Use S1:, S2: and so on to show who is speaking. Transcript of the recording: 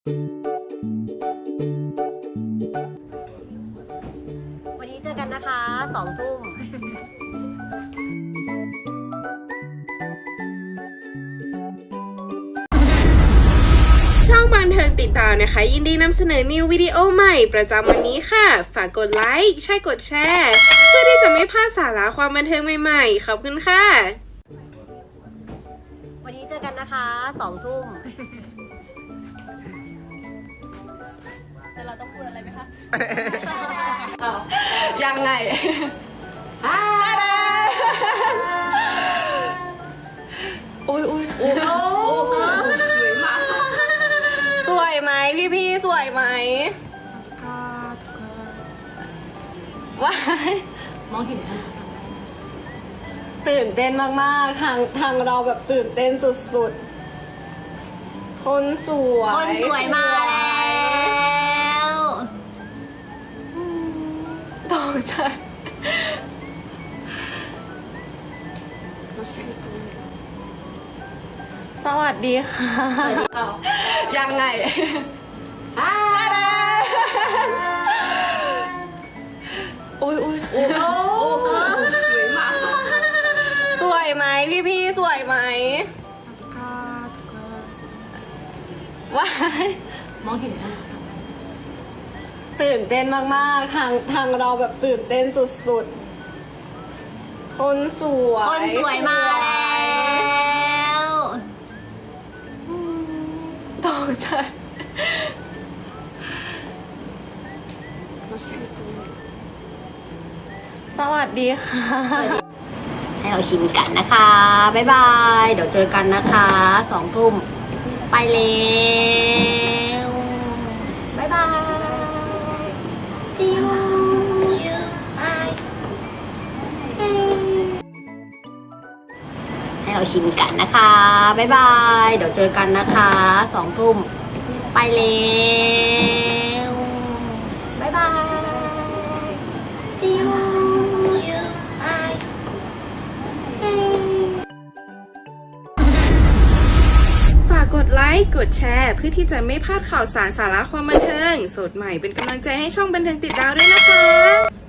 S1: วันนี้เจอกันนะคะ2 ทุ่ม
S2: ช่องบันเทิงติดตามนะคะยินดีนำเสนอนิววิดีโอใหม่ประจำวันนี้ค่ะฝากกดไลค์ใช่กดแชร์เพื่อที่จะไม่พลาดสาระความบันเทิงใหม่ๆขอบคุณค่ะ
S1: วันนี้เจอกันนะคะ2 ทุ่มแต่เราต้องพูดอะไรไหมคะ
S2: ยังไงอุ้ยสวยไหมพี่สวยไหมว้ายมองเห็นไหมตื่นเต้นมากๆทางเราแบบตื่นเต้นสุดๆคนสวย
S1: มาแล้ว
S2: ตกใจสวัสดีค่ะยังไงอุ้ยสวยไหมพี่สวยไหมว้ายมองเห็นไหมตื่นเต้นมากๆทางเราแบบตื่นเต้นสุดๆคนสวย
S1: มาแล้ว
S2: ตกใจสวัสดีค่ะ
S1: ให้เราชิมกันนะคะบ๊ายบายเดี๋ยวเจอกันนะคะ2 ทุ่มไปแล้วบ๊ายบาย see you bye ให้เราชิมกันนะคะบ๊ายบายเดี๋ยวเจอกันนะคะ2 ทุ่มไปแล้วบ๊ายบาย see you bye
S2: ฝากกดไลค์กดแชร์เพื่อที่จะไม่พลาดข่าวสารสาระความบันเทิงสดใหม่เป็นกำลังใจให้ช่องบันเทิงติดดาวด้วยนะคะ